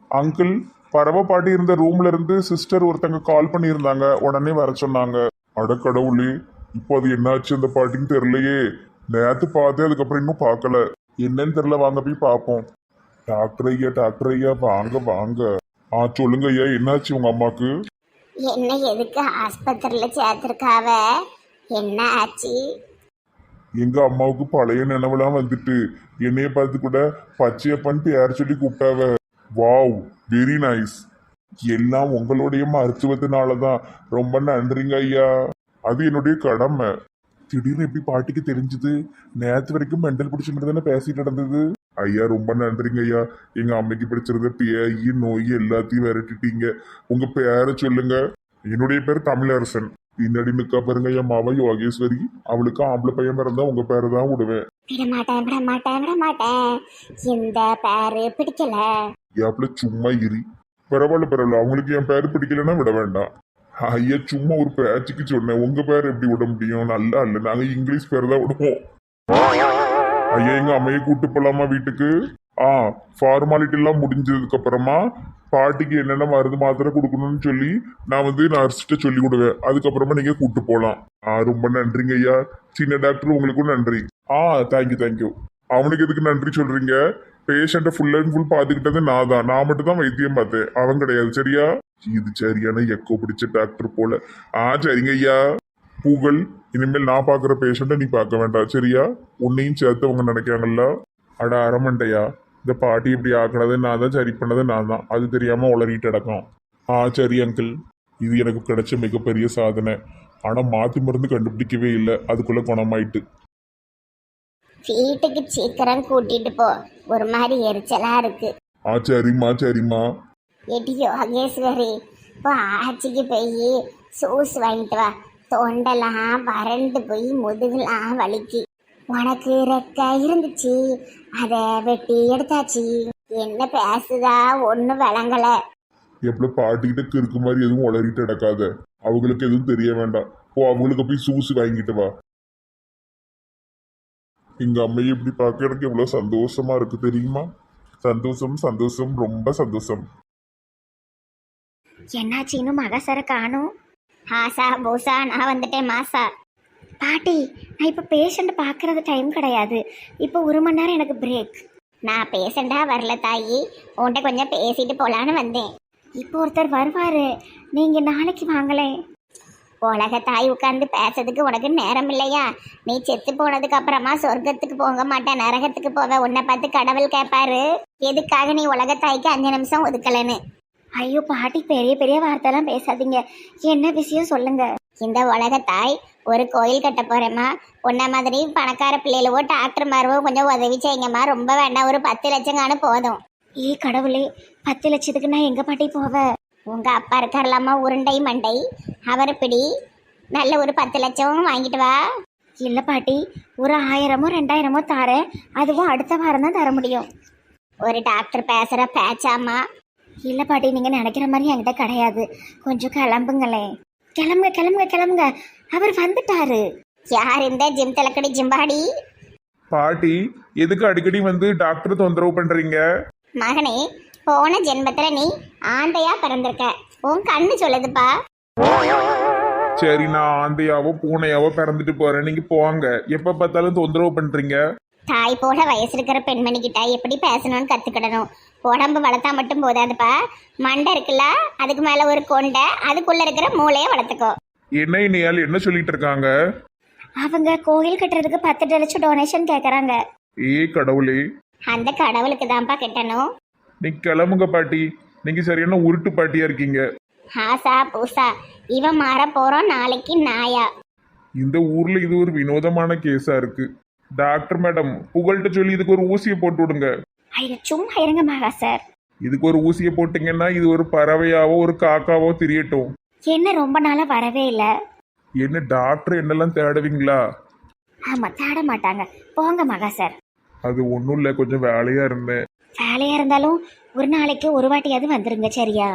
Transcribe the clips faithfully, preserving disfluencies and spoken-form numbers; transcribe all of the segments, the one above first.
Uncle, பறவை பாட்டி இருந்த ரூம்ல இருந்து சிஸ்டர் ஒருத்தங்க கால் பண்ணியிருந்தாங்க, உடனே வர சொன்னாங்க. அட கடவுளே, இப்போ அது என்னாச்சு அந்த பாட்டின்னு தெரியலையே. நேத்து பார்த்தேன், அதுக்கப்புறம் இன்னும் பார்க்கல. என்னன்னு தெரியல, வாங்க போய் பார்ப்போம். டாக்டர் ஐயா, டாக்டர் ஐயா, வாங்க வாங்க. ஆ சொல்லுங்க ஐயா, என்னாச்சு உங்க அம்மாக்கு? என்ன எதுக்கு ஆஸ்பத்திரியில் சேர்த்துருக்காவ? என்ன ஆச்சு? எங்க அம்மாவுக்கு பழைய நினைவெல்லாம் வந்துட்டு என்னைய பார்த்து கூட பச்சையப்பன் பேர் சொல்லி கூப்பிட்டாவ. Wow, very nice. எல்லாம் உங்களுடைய மருத்துவத்தினால தான். ரொம்ப நன்றிங்க ஐயா. அது என்னுடைய கடமை. திடீர்னு எப்படி பாட்டிக்கு தெரிஞ்சது? நேற்று வரைக்கும் மெண்டல் பிடிச்ச மாதிரி தானே பேசிட்டு நடந்தது. ஐயா ரொம்ப நன்றிங்க ஐயா. எங்க அம்மைக்கு பிடிச்சிருந்த பேய் நோய் எல்லாத்தையும் விரட்டிட்டீங்க. உங்க பேரை சொல்லுங்க. என்னுடைய பேர் தமிழரசன். பின்னாடி நிக்கா பாருங்க என் மாவா யோகேஸ்வரி. அவளுக்கு ஆம்பளை பையன் பிறந்தா உங்க பேரை தான் விடுவேன். விட மாட்டேன் விட மாட்டேன் விட மாட்டேன். இந்த பேரு பிடிக்கல. ஏப்ல சும்மா இரி. பரவாயில்ல பரவாயில்ல, அவங்களுக்கு என் பேர் பிடிக்கலன்னா விட வேண்டாம். ஐயா சும்மா ஒரு பேச்சுக்கு சொன்னேன். உங்க பேர் எப்படி விட முடியும்? நல்லா இல்லை, நாங்க இங்கிலீஷ் பேர் தான் விடுவோம். ஐயா எங்க அம்மையை கூட்டு போலாமா வீட்டுக்கு? ஆ, ஃபார்மாலிட்டி எல்லாம் முடிஞ்சதுக்கு அப்புறமா பாட்டிக்கு என்னென்ன மருந்து மாத்திரை கொடுக்கணும்னு சொல்லி நான் வந்து நர்ஸ்கிட்ட சொல்லி கொடுவேன். அதுக்கப்புறமா நீங்க கூட்டு போகலாம். ஆ ரொம்ப நன்றிங்க ஐயா. சின்ன டாக்டர் உங்களுக்கும் நன்றி. ஆ தேங்க்யூ தேங்க்யூ. அவனுக்கு எதுக்கு நன்றி சொல்றீங்க? பேஷண்ட்டை ஃபுல் அண்ட் ஃபுல் பார்த்துக்கிட்டது நான் தான். நான் மட்டும் தான் வைத்தியம் பார்த்தேன், அவன் கிடையாது. சரியா? இது சரியான எக்கோ பிடிச்ச டாக்டர் போல. ஆ சரிங்க ஐயா. புகழ், இனிமேல் நான் பார்க்குற பேஷண்ட்டை நீ பார்க்க வேண்டாம், சரியா? உன்னையும் சேர்த்து அவங்க நினைக்காங்கல்ல. அட அரமண்டையா, இந்த பாட்டி இப்படி ஆக்கினது நான் தான், சரி பண்ணது நான் தான். அது தெரியாமல் உளறிட்டு அடக்கம். ஆ சரி அங்கிள், இது எனக்கு கிடைச்ச மிகப்பெரிய சாதனை. ஆனால் மாற்றி மருந்து கண்டுபிடிக்கவே இல்லை, அதுக்குள்ளே குணமாயிட்டு. வீட்டுக்கு சீக்கிரம் கூட்டிட்டு போ, ஒரு மாதிரி எரிச்சலா இருக்கு. ஆ சரிம்மா சரிம்மா. எடி யோகேஸ்வரி, இப்போ ஆச்சிக்கு போய் சூஸ் வாங்கிட்டு வா. தொண்டெல்லாம் வறண்டு போய் முதுகுலாம் வலிக்கு. உனக்கு ரெக்க இருந்துச்சு, அதை வெட்டி எடுத்தாச்சு. என்ன பேசுதா ஒன்றும் விளங்கல. எப்படி பாட்டிக்கிட்ட கிறுக்கு மாதிரி எதுவும் உளறிட்டு அடக்காத. அவங்களுக்கு எதுவும் தெரிய வேண்டாம். போ, அவங்களுக்கு போய் சூஸ் வாங்கிட்டு வா. எங்க அம்மையை இப்படி பார்க்க எனக்கு எவ்வளவு சந்தோஷமா இருக்கு தெரியுமா? சந்தோஷம் சந்தோஷம், ரொம்ப சந்தோஷம். என்னாச்சு இன்னும் மகசர காணும்? ஆசா பூசா, நான் வந்துட்டேன் மாசா. பாட்டி, நான் இப்போ பேஷண்ட் பார்க்கறது டைம் கிடையாது. இப்போ ஒரு மணி நேரம் எனக்கு பிரேக். நான் பேஷண்டா வரல தாயி, உன்கிட்ட கொஞ்சம் பேசிட்டு போலான்னு வந்தேன். இப்போ ஒருத்தர் வருவாரு, நீங்க நாளைக்கு வாங்களேன். உலக தாய் உட்கார்ந்து பேசுறதுக்கு உனக்கு நேரம் இல்லையா? நீ செத்து போனதுக்கு அப்புறமா சொர்க்கத்துக்கு போக மாட்டேன், நரகத்துக்கு போவ. உன்னை பார்த்து கடவுள் கேட்பாரு, எதுக்காக நீ உலக தாய்க்கு அஞ்சு நிமிஷம் ஒதுக்கலன்னு. ஐயோ பாட்டி, பெரிய பெரிய வார்த்தைலாம் பேசாதீங்க. என்ன விஷயம் சொல்லுங்க. இந்த உலக தாய் ஒரு கோயில் கட்ட போறேம்மா. உன்ன மாதிரி பணக்கார பிள்ளைகளவோ டாக்டர் மாரவோ கொஞ்சம் உதவி செய்யுங்கம்மா. ரொம்ப வேண்டாம், ஒரு பத்து லட்சம் காணு போதும். ஏ கடவுளே, பத்து லட்சத்துக்கு நான் எங்க பாட்டி போவேன்? உங்க அப்பா இருக்காரலாமா உருண்டை மண்டை, அவர் பிடி. நல்ல ஒரு பத்து லட்சம் வாங்கிட்டு வா. இல்லை பாட்டி, ஒரு ஆயிரமோ ரெண்டாயிரமோ தாரேன். அதுவும் அடுத்த வாரம் தான் தர முடியும். ஒரு டாக்டர் பேசுற பேச்சாமா? இல்லை பாட்டி, நீங்கள் நினைக்கிற மாதிரி என்கிட்ட கிடையாது. கொஞ்சம் கிளம்புங்களேன். கிளம்புங்க கிளம்புங்க கிளம்புங்க, அவர் வந்துட்டாரு. யார் இந்த ஜிம் தலக்கடி ஜிம்பாடி? பாட்டி, எதுக்கு அடிக்கடி வந்து டாக்டர் தொந்தரவு பண்றீங்க? மகனே, போன ஜென்மத்துல நீ ஆந்தையா பிறந்திருக்க, உன் கண்ணு சொல்லுதுப்பா. சரி, நான் ஆந்தையாவோ பூனையாவோ பிறந்துட்டு போறேன், நீங்க போங்க. எப்ப பார்த்தாலும் தொந்தரவு பண்றீங்க. தாய் போல வயசு இருக்கிற பெண்மணி கிட்ட எப்படி பேசணும்னு கத்துக்கிடணும். உடம்பு வளர்த்தா மட்டும் போதாதுப்பா, மண்டை இருக்குல்ல, அதுக்கு மேல ஒரு கொண்டை, அதுக்குள்ள இருக்கிற மூளைய வளர்த்துக்கோ. என்ன இனியால் என்ன சொல்லிட்டு இருக்காங்க? அவங்க கோயில் கட்டுறதுக்கு பத்து லட்சம் டொனேஷன் கேக்குறாங்க. ஏ கடவுளே, அந்த கடவுளுக்கு தான்ப்பா கட்டணும். நீ கிளம்புங்க பாட்டி, நீங்க சரியான உருட்டு பாட்டியா இருக்கீங்க. ஆசா பூசா, இவன் மாற போறோம் நாளைக்கு நாயா. இந்த ஊர்ல இது ஒரு வினோதமான கேஸா இருக்கு. டாக்டர் மேடம், புகழ்கிட்ட சொல்லி இதுக்கு ஒரு ஊசியை போட்டு விடுங்க. ஐயோ சும்மா இருங்க மகா சார். இதுக்கு ஒரு ஊசியை போட்டீங்கன்னா இது ஒரு பறவையாவோ ஒரு காக்காவோ தெரியட்டும். என்ன ரொம்ப நாளா வரவே இல்லை? என்ன டாக்டர் என்னெல்லாம் தேடுவீங்களா? ஆமா, தேட மாட்டாங்க. போங்க மகா சார். அது ஒன்றும் இல்லை, கொஞ்சம் வேலையா இருந்தேன். வேலையா இருந்தாலும் ஒரு நாளைக்கு ஒரு வாட்டியாவது வந்துருங்க, சரியா?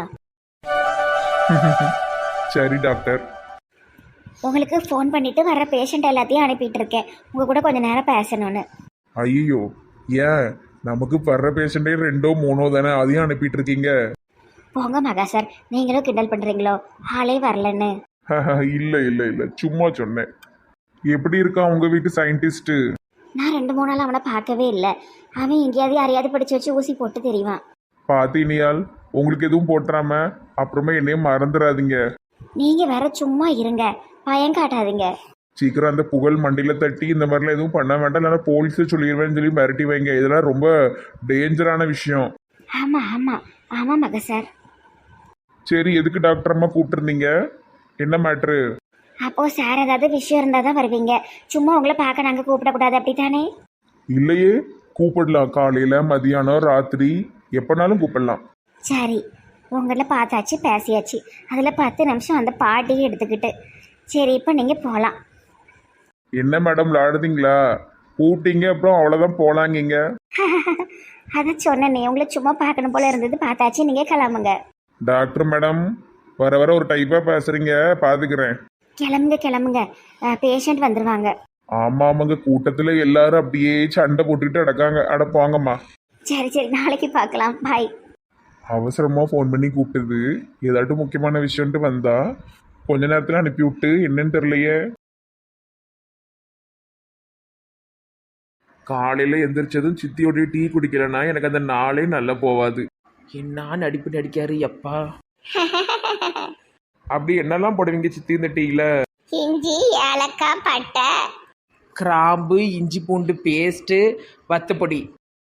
சரி டாக்டர். உங்களுக்கு ஃபோன் பண்ணிட்டு வர பேஷண்ட் எல்லாத்தையும் அனுப்பிட்டு இருக்கேன். உங்க கூட கொஞ்ச நேரம் பேசணும்னு. ஐயோ, ஏன் நமக்கு வர்ற பேஷண்டே ரெண்டோ மூணோ தானே, அதையும் அனுப்பிட்டு இருக்கீங்க. போங்க மகா சார், நீங்களும் கிண்டல் பண்ணுறீங்களோ ஆளே வரலன்னு. இல்ல இல்ல இல்ல சும்மா சொன்னேன். எப்படி இருக்கான் உங்க வீட்டு சயின்டிஸ்ட்? நான் ரெண்டு மூணு நாள் அவனை பார்க்கவே இல்லை. அவன் எங்கேயாவது யாரையாவது படிச்சு வச்சு ஊசி போட்டு தெரியுவான். பாத்தீனியால், உங்களுக்கு எதுவும் போட்டுறாம அப்புறமா என்னையும் மறந்துடாதீங்க. நீங்கள் வேற சும்மா இருங்க, பயம் காட்டாதீங்க. சீக்கிரம் அந்த புகழ் மண்டியில் தட்டி இந்த மாதிரிலாம் எதுவும் பண்ண வேண்டாம், இல்லைன்னா போலீஸை சொல்லிடுவேன்னு சொல்லி மிரட்டி வைங்க. இதெல்லாம் ரொம்ப டேஞ்சரான விஷயம். ஆமாம் ஆமாம் ஆமாம் மகா சார். சரி, எதுக்கு டாக்டர் அம்மா கூப்பிட்டுருந்தீங்க? என்ன மேட்ரு? அப்போ சார் ஏதாவது விஷயம் இருந்தால் தான் வருவீங்க, சும்மா உங்களை பார்க்க நாங்கள் கூப்பிடக்கூடாது அப்படித்தானே? இல்லையே, கூப்பிடலாம். காலையில் மதியானம் ராத்திரி எப்போனாலும் கூப்பிடலாம். சரி, உங்களை பார்த்தாச்சு பேசியாச்சு. அதில் பத்து நிமிஷம் அந்த பாட்டியை எடுத்துக்கிட்டு சரி இப்போ நீங்கள் போகலாம். என்ன மேடம் விளாடுதீங்களா? கூப்பிட்டீங்க அப்புறம் அவ்வளோதான் போலாங்கிங்க. அதை சொன்னேனே, உங்களை சும்மா பார்க்கணும் போல இருந்தது, பார்த்தாச்சு, நீங்கள் கிளம்புங்க. டாக்டர் மேடம் வர வர ஒரு டைப்பாக பேசுகிறீங்க, பார்த்துக்கிறேன். கிளம்புங்க கிளம்புங்க, பேஷண்ட் வந்துடுவாங்க. ஆமாம் ஆமாங்க, கூட்டத்தில் எல்லாரும் அப்படியே சண்டை போட்டுக்கிட்டு அடக்காங்க. அட போங்கம்மா. சரி சரி, நாளைக்கு பார்க்கலாம், பாய். அவசரமாக ஃபோன் பண்ணி கூப்பிட்டது, ஏதாட்டும் முக்கியமான விஷயம்ட்டு வந்தா கொஞ்ச நேரத்தில் அனுப்பி விட்டு என்னன்னு தெரியலையே. காலையில் எந்திரிச்சதும் சித்தியோடைய டீ குடிக்கலன்னா எனக்கு அந்த நாளே நல்லா போவாது. என்ன நடிப்பு நடிக்காரு அப்பா. அப்படி என்னெல்லாம் போடுவீங்க சித்தி இந்த டீயில்? இஞ்சி, ஏலக்காய், பட்டை, கிராம்பு, இஞ்சி பூண்டு பேஸ்ட்டு, வத்தப்பொடி.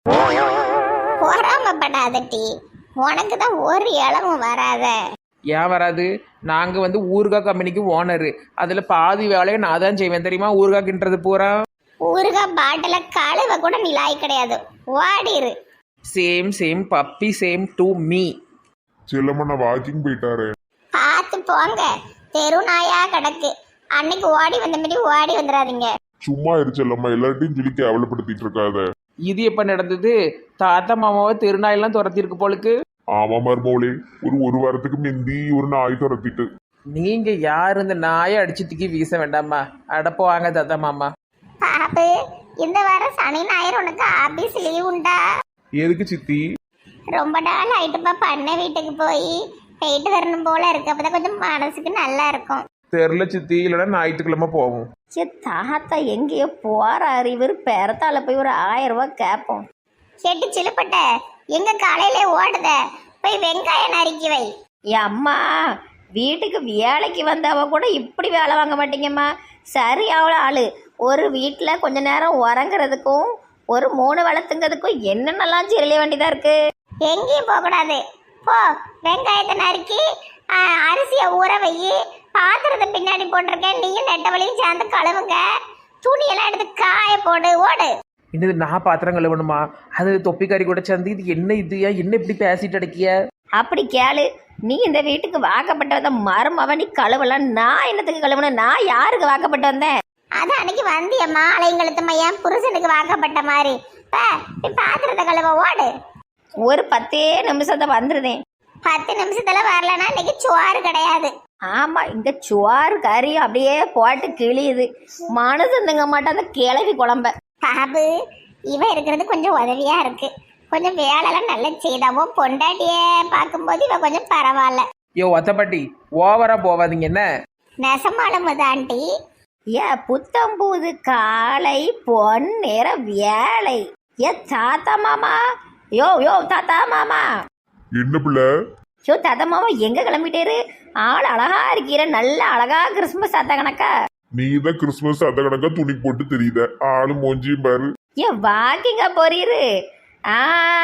பொறாமப்படாத டீ, உனக்கு தான் ஒரு இளமும் வராத. ஏன் வராது? நாங்கள் வந்து ஊறுகாய் கம்பெனிக்கு ஓனரு, அதில் பாதி வேலையை நான் தான் செய்வேன் தெரியுமா? ஊறுகாய் கிண்டுறது பூரா. ஊறுகாய் பாட்டில கழுவ கூட நீ லாய் கிடையாது, ஓடிரு. Same same puppy, same to me. Chellamma walking போயிட்டாரு. பார்த்து போங்க, தெரு நாயா கிடக்கு. அன்னைக்கு ஓடி வந்த மாதிரி ஓடி வந்துடாதீங்க. சும்மா இரு செல்லம்மா, எல்லார்ட்டையும் சொல்லி கேவலப்படுத்திட்டு இருக்காத. இது எப்போ நடந்தது? தாத்தா மாமாவை திருநாயெல்லாம் துரத்திருக்கு போலுக்கு. ஆமா மருமோளே, ஒரு ஒரு வாரத்துக்கு முந்தி ஒரு நாய் துரத்திட்டு. நீங்கள் யார் இந்த நாயை அடிச்சு தூக்கி வீச வேண்டாமா? அடப்போ வாங்க தாத்தா மாமா. பாப்பு, இந்த வாரம் சனி ஞாயிறு உனக்கு ஆபீஸ் லீவ் உண்டா? எதுக்கு சித்தி? ரொம்ப நாள் ஆயிட்டுப்பா, பண்ண வீட்டுக்கு போய் போயிட்டு வரணும் போல இருக்கு, அப்பதான் கொஞ்சம் மனசுக்கு நல்லா இருக்கும். தெரில சித்தி, இல்லைன்னா ஞாயிற்றுக்கிழமை போவோம். சே, தாத்தா எங்கேயோ போறாரு, இவர் பெறத்தால போய் ஒரு ஆயிரம் ரூபாய் கேட்போம். கேட்டு சிலுப்பட்ட எங்க காலையில ஓடுத, போய் வெங்காயம் நறுக்கி வை. அம்மா, வீட்டுக்கு வேலைக்கு வந்தவ கூட இப்படி வேலை வாங்க மாட்டீங்கம்மா. சரி, அவ்வளோ ஆளு ஒரு வீட்டில் கொஞ்ச நேரம் உறங்குறதுக்கும் ஒரு மூணு வளர்த்துங்கிறதுக்கும் என்னென்னலாம் சிரளிய வேண்டியதாக இருக்கு. எங்கேயும் போகக்கூடாது, போ வெங்காயத்தை நறுக்கி அரிசியை ஊற வை, பாத்திரத்தை பின்னாடி போட்டிருக்கேன், நீயும் நெட்டவழியும் சேர்ந்து கழுவுங்க, துணியெல்லாம் எடுத்து காய போடு, ஓடு. என்னது நான் பாத்திரம் கழுவணுமா? அது தொப்பிக்காரி கூட சேர்ந்து இது என்ன இது என்ன இப்படி பேசிட்டு அடக்கிய? அப்படி கேளு, நீ இந்த வீட்டுக்கு வாக்கப்பட்டு வந்த மருமவ, நீ கழுவலாம், நான் என்னத்துக்கு கழுவணும்? நான் யாருக்கு வாக்கப்பட்டு வந்தேன்? அது அன்னைக்கு வந்தியம்மா அலைங்கழுத்தம்மா, என் புருஷனுக்கு வாக்கப்பட்ட மாதிரி. பாத்திரத்தை கழுவ ஓடு. ஒரு பத்தே நிமிஷத்தை வந்துருதேன். பத்து நிமிஷத்துல வரலன்னா இன்னைக்கு சோறு கிடையாது. ஆமா, இங்க சோறு கறி அப்படியே போட்டு கிளியுது, மனசு திங்க மாட்டேன் அந்த கிளவி குழம்ப. பாபு, இவ இருக்கிறது கொஞ்சம் உதவியா இருக்கு, கொஞ்சம் வேலைலாம் நல்லா செய்தாவோ. பொண்டாட்டிய பார்க்கும்போது இவ கொஞ்சம் பரவாயில்ல. யோ ஒத்தப்பட்டி, ஓவரா போவாதீங்க என்ன? நெசமாலும் ஆண்டி, ஏ புத்தம்பூது காலை பொன் நேர வேலை. ஏ தாத்தா மாமா, யோ யோ தாத்தா மாமா. என்ன பிள்ளை? யோ தாத்தா மாமா எங்க கிளம்பிட்டேரு? ஆள் அழகா இருக்கிற, நல்ல அழகா கிறிஸ்துமஸ் தாத்தா கணக்கா. நீ தான் கிறிஸ்துமஸ் அத கணக்கா துணி போட்டு தெரியுத, ஆளு மோஞ்சியும் பாரு. ஏன் வாக்கிங்கா போறீரு? ஆ,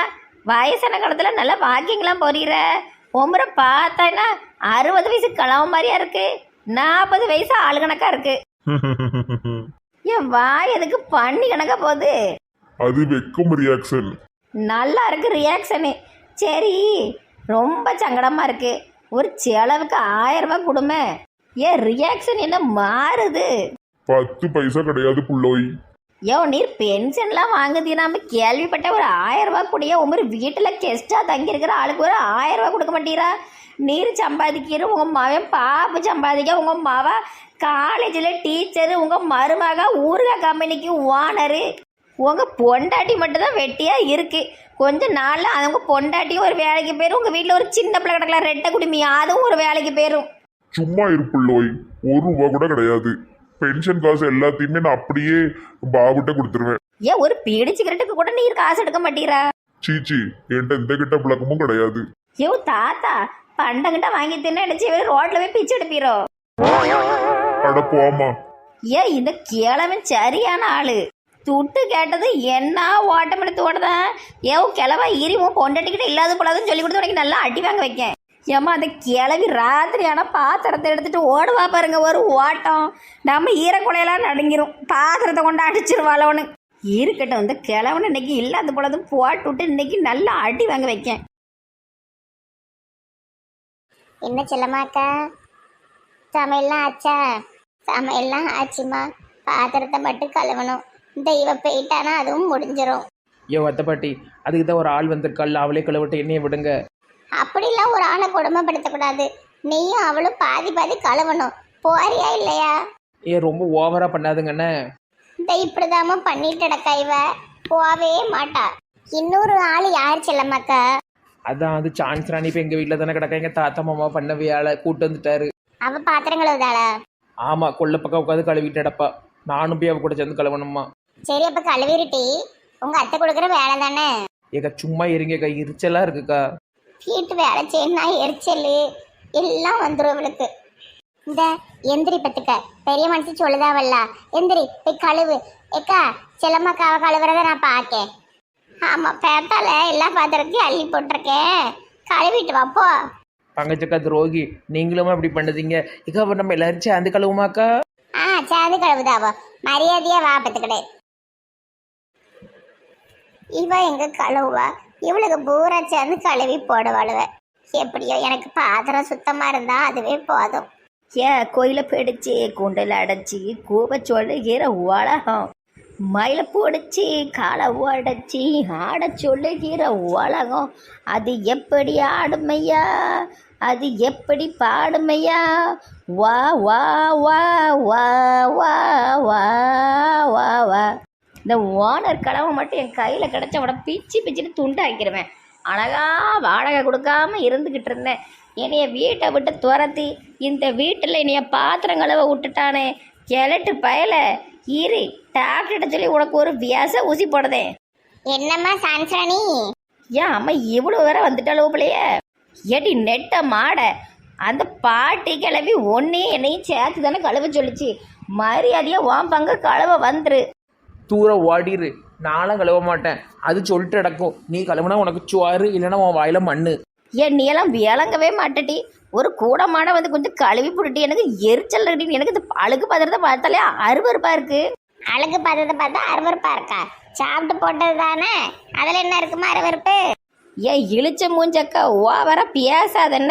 வயசான காலத்துல நல்லா வாக்கிங்லாம் போறீர. உமரை பார்த்தா அறுபது வயசு கிளம்ப மாதிரியா இருக்கு, நாற்பது வயசு ஆளு கணக்கா இருக்கு. ஏன் வாய் எதுக்கு பண்ணி கணக்கா போகுது? அது வெக்கம் ரியாக்ஷன். நல்லா இருக்கு ரியாக்ஷனு. சரி, ரொம்ப சங்கடமா இருக்கு, ஒரு செலவுக்கு ஆயிரம் ரூபாய் கொடுமை. ஏன் ரியாக்ஷன் என்ன மாறுது? பத்து பைசா கிடையாது புள்ளோய். யோ, நீர் பென்ஷன்லாம் வாங்குதீனாம கேள்விப்பட்ட, ஒரு ஆயிரம் ரூபாய் கூடிய உமர் வீட்டில் கெஸ்டா தங்கி இருக்கிற ஆளுக்கு ஒரு ஆயிரம் ரூபாய் கொடுக்க மாட்டீரா? நீர் சம்பாதிக்கிற, உங்க மகன் பாப்பு சம்பாதிக்க, உங்க மவ காலேஜில் டீச்சரு, உங்க மருமக ஊருகா கம்பெனிக்கு ஓனரு. உங்க பொண்டாட்டி மட்டும்தான் வெட்டியா இருக்கு. கொஞ்ச நாள்ல அவங்க பொண்டாட்டியும் ஒரு வேலைக்கு போயிரும். உங்க வீட்டுல ஒரு சின்ன பிள்ளை கிடக்கலாம் ரெட்டை குடுமி, அதுவும் ஒரு வேலைக்கு போயிரும். சும்மா இருப்புள்ளோய், ஒரு ரூபா கூட கிடையாது. பென்ஷன் காசு எல்லாத்தையுமே நான் அப்படியே பாபுட்ட கொடுத்துருவேன். ஏன் ஒரு பீடி சிகரெட்டுக்கு கூட நீர் காசு எடுக்க மாட்டீரா? சீச்சி, என்கிட்ட இந்த கிட்ட பழக்கமும் கிடையாது. ஐயோ தாத்தா, பண்டங்கிட்ட வாங்கி தின்னு அடிச்சு ரோட்ல போய் பிச்சு எடுப்பீரோ? அட போமா. ஏன் இந்த கிழவன் சரியான ஆளு. துட்டு கேட்டது என்ன ஓட்டம் எடுத்து ஓடுதான். ஏன் கிழவா இரிவும் பொண்டாட்டிக்கிட்ட இல்லாத போலாதுன்னு சொல்லி கொடுத்து உனக்கு நல்லா அடி வாங்க வைக்கேன். ஏம்மா அந்த கிளவி ராத்திரி ஆனால் பாத்திரத்தை எடுத்துட்டு ஓடுவா பாருங்க ஒரு ஓட்டம். நம்ம ஈரக்குலையெல்லாம் நடுங்கிரும். பாத்திரத்தை கொண்டு அடிச்சிருவாளோன்னு இருக்கட்டும். இந்த கிழவன் இன்னைக்கு இல்லாத போலது போட்டு விட்டு இன்னைக்கு நல்லா அடி வாங்க வைக்கேன். என்ன செல்லமாக்கா, சமையல்லாம் ஆச்சா? சமையல்லாம் ஆச்சுமா, பாத்திரத்தை மட்டும் கழுவணும். இந்த இவ போயிட்டானா அதுவும் முடிஞ்சிடும். ஏ வத்த பாட்டி, அதுக்கு தான் ஒரு ஆள் வந்திருக்காள், அவளே கழுவிட்டு என்னைய விடுங்க. அப்படிலாம் ஒரு ஆளை கொடுமைப்படுத்தக்கூடாது. நீயும் அவளும் பாதி பாதி கழுவணும். போறியா இல்லையா? ஏ ரொம்ப ஓவரா பண்ணாதுங்கண்ணே. இந்த இப்படிதாம பண்ணிட்டு கிடக்கா இவ, போவே மாட்டா. இன்னொரு ஆள் யார் செல்லமாக்கா? அதான் அது சான்ஸ் ராணி இப்போ எங்கள் வீட்டில் தானே கிடக்கா. எங்கள் தாத்தா மாமா பண்ண வேலை கூட்டு வந்துட்டாரு. அவ பாத்திரம் கழுவுதாளா? ஆமாம், கொள்ள பக்கம் உட்காந்து கழுவிட்டு அடப்பா. நானும் போய் அவ கூட சேர்ந்து கழுவணுமா. சரி, அப்ப கழுவிருட்டி. உங்க அத்தை கொடுக்குற வேலை தானே. ஏக்கா சும்மா இருங்கக்கா, எரிச்சலா இருக்குக்கா. வீட்டு வேலை செய்யணும், எரிச்சல் எல்லாம் வந்துடும் இவளுக்கு. இந்த எந்திரி பத்துக்க, பெரிய மனுஷி சொல்லுதாவல்ல, எந்திரி போய் கழுவு. ஏக்கா செல்லம்மாக்காவை கழுவுறத நான் பார்க்கேன். ஆமா, பேத்தால எல்லா பாத்திரத்தையும் அள்ளி போட்டிருக்கேன், கழுவிட்டு வாப்போ. பங்கச்சக்கா துரோகி, நீங்களும் அப்படி பண்ணதீங்க. இக்கா அப்ப நம்ம எல்லாரும் சேர்ந்து கழுவுமாக்கா? ஆ சேர்ந்து கழுவுதாவோ, மரியாதையா வா பத்துக்கிடு. இவ எங்க கழுவுவா? இவளுக்கு பூரா சேர்ந்து கழுவி போடுவாளுவ. எப்படியோ எனக்கு பாத்திரம் சுத்தமா இருந்தா அதுவே போதும். ஏன் கோயில பிடிச்சி குண்டில் அடைச்சி கூவ சொல்லுகிற உலகம், மயில பிடிச்சி காலை உடைச்சி ஆட சொல்லுகிற உலகம், அது எப்படி ஆடுமையா, அது எப்படி பாடுமையா, வா வா வா வா வா வா வா வா. இந்த ஓனர் கடவை மட்டும் என் கையில் கிடச்ச உட பிச்சு பிச்சுட்டு துண்டாக்கிடுவேன். அழகா வாடகை கொடுக்காம இருந்துக்கிட்டு இருந்தேன். என்னைய வீட்டை விட்டு துரத்தி இந்த வீட்டில் என்னைய பாத்திரம் கழுவ விட்டுட்டானே கிழட்டு பயல. இரு, டாக்டர்கிட்ட சொல்லி உனக்கு ஒரு வியாச ஊசி போடுதேன். என்னம்மா சான்சராணி? ஏன் அம்மா இவ்வளோ வேற வந்துட்டாலும் பிள்ளைய ஏடி நெட்ட மாட. அந்த பாட்டி கிளவி ஒன்னையும் என்னையும் சேர்த்து தானே கழுவ சொல்லிச்சு. மரியாதையாக உன் பங்கு கழுவ வந்துரு. தூரம் ஓடிரு, நானும் கழுவ மாட்டேன். அது சொல்லிட்டு நடக்கும். நீ கழுவுனா உனக்கு சுவாரு, இல்லைன்னா உன் வாயில மண்ணு. ஏன் நீ எல்லாம் விளங்கவே மாட்டடி. ஒரு கூட மாட வந்து கொஞ்சம் கழுவி போட்டுட்டு எனக்கு எரிச்சல் ரெடி. எனக்கு இந்த அழுக்கு பாத்திரத்தை பார்த்தாலே அருவருப்பா இருக்கு. அழுக்கு பாத்திரத்தை பார்த்தா அருவருப்பா இருக்கா? சாப்பிட்டு போட்டது தானே, அதுல என்ன இருக்குமா அருவருப்பு? ஏன் இழிச்ச மூஞ்சக்கா ஓவரா பேசாதென்ன.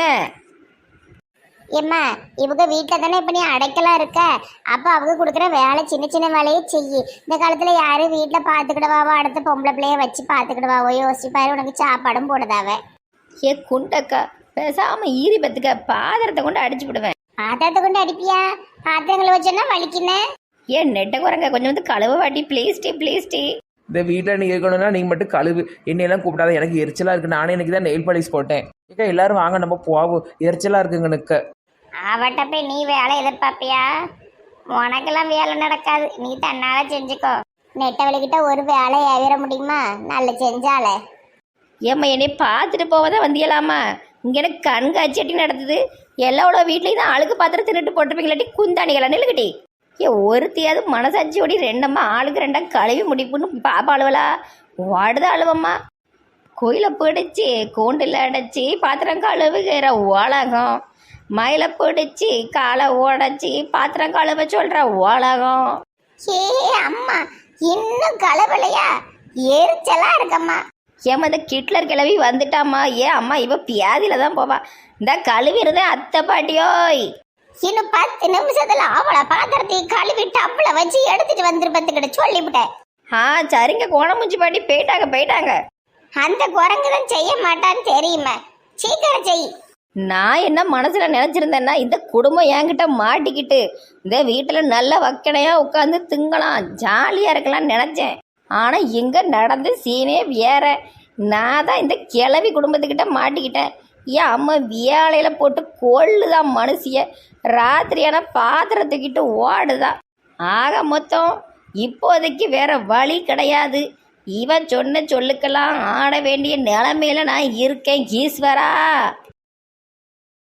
ஏம்மா, இவங்க வீட்டில் தானே இப்போ நீ அடைக்கலாம் இருக்க. அப்போ அவங்க கொடுக்குற வேலை சின்ன சின்ன வேலையை செய்யி. இந்த காலத்தில் யாரும் வீட்டில் பார்த்துக்கிடுவாவோ, அடுத்த பொம்பளை பிள்ளைய வச்சு பார்த்துக்கிடுவாவோ, யோசிப்பாரு. உனக்கு சாப்பாடும் போடுதாவ. ஏ குண்டக்கா பேசாம ஈரி பத்துக்க, பாத்திரத்தை கொண்டு அடிச்சு விடுவேன். பாத்திரத்தை கொண்டு அடிப்பியா? பாத்திரங்களை வச்சோன்னா வலிக்குன்னு. ஏன் நெட்ட குரங்க கொஞ்சம் வந்து கழுவ வாட்டி ப்ளீஸ் டி ப்ளீஸ் டி. இந்த வீட்டில் நீ இருக்கணும்னா நீ மட்டும் கழுவு, என்னையெல்லாம் கூப்பிடாத. எனக்கு எரிச்சலா இருக்கு. நானே இன்னைக்கு தான் நெயில் பாலிஷ் போட்டேன். ஏக்கா எல்லாரும் வாங்க நம்ம போவோம், எரிச்சலா இருக்குங்க எனக்கு. அவட்ட போய் நீ வேலை எதிர்பார்ப்பியா? உனக்கெல்லாம் வேலை நடக்காது, நீ தன்னால செஞ்சுக்கோ. நெட்டவழிக்கிட்ட ஒரு வேலை ஏவிட முடியுமா? நல்ல செஞ்சாலே. ஏம்மா என்னை பார்த்துட்டு போவதான் வந்தியலாமா? இங்கே எனக்கு கண்காட்சி நடத்துது. எல்லாவோட வீட்லேயும் தான் அழுக்கு பாத்திரம் திருட்டு போட்டுருப்பீங்களாட்டி குந்தாணிகளா நில்லுக்கிட்டி. ஏ ஒருத்தியாவது மனசாட்சியோடி ரெண்டம்மா ஆளுக்கு ரெண்டா கழுவி முடிப்புன்னு பாப்பா அழுவலா வாடுதான் அழுவம்மா. கோயிலை பிடிச்சி கூண்டில் அடைச்சி பாத்திரம் கழுவுகிற உலகம், மயில பிடிச்சி காலை உடைச்சி பாத்திரம் கழுவ சொல்ற உலகம். ஏ அம்மா, இன்னும் கலவலையா? எரிச்சலா இருக்கம்மா. ஏம்மா இந்த கிட்லர் கிளவி வந்துட்டாம்மா. ஏன் அம்மா இவ பியாதியில தான் போவா. இந்த கழுவி இருந்தேன் அத்தை பாட்டியோய். இன்னும் பத்து நிமிஷத்துல அவளை பாத்திரத்தை கழுவி டப்புல வச்சு எடுத்துட்டு வந்துருப்பதுக்கிட்ட சொல்லிவிட்டேன். ஆ சரிங்க, கோணமுஞ்சி பாட்டி போயிட்டாங்க போயிட்டாங்க. அந்த குரங்குதான் செய்ய மாட்டான்னு தெரியுமா? சீக்கிரம் செய். நான் என்ன மனசுல நினைச்சிருந்தேன்னா இந்த குடும்பம் என்கிட்ட மாட்டிக்கிட்டு இந்த வீட்டுல நல்ல வக்கனையா உட்காந்து திங்கலாம், ஜாலியா இருக்கலாம்னு நினைச்சேன். ஆனால் எங்கே நடந்து சீனே வேற. நான் தான் இந்த கிளவி குடும்பத்துக்கிட்ட மாட்டிக்கிட்டேன். ஏன் அம்மா வியாழையில் போட்டு கொள்ளுதான் மனுஷிய. ராத்திரியான பாத்திரத்துக்கிட்டு ஓடுதா. ஆக மொத்தம் இப்போதைக்கு வேற வழி கிடையாது. இவன் சொன்ன சொல்லுக்கெல்லாம் ஆட வேண்டிய நிலைமையில நான் இருக்கேன் ஈஸ்வரா.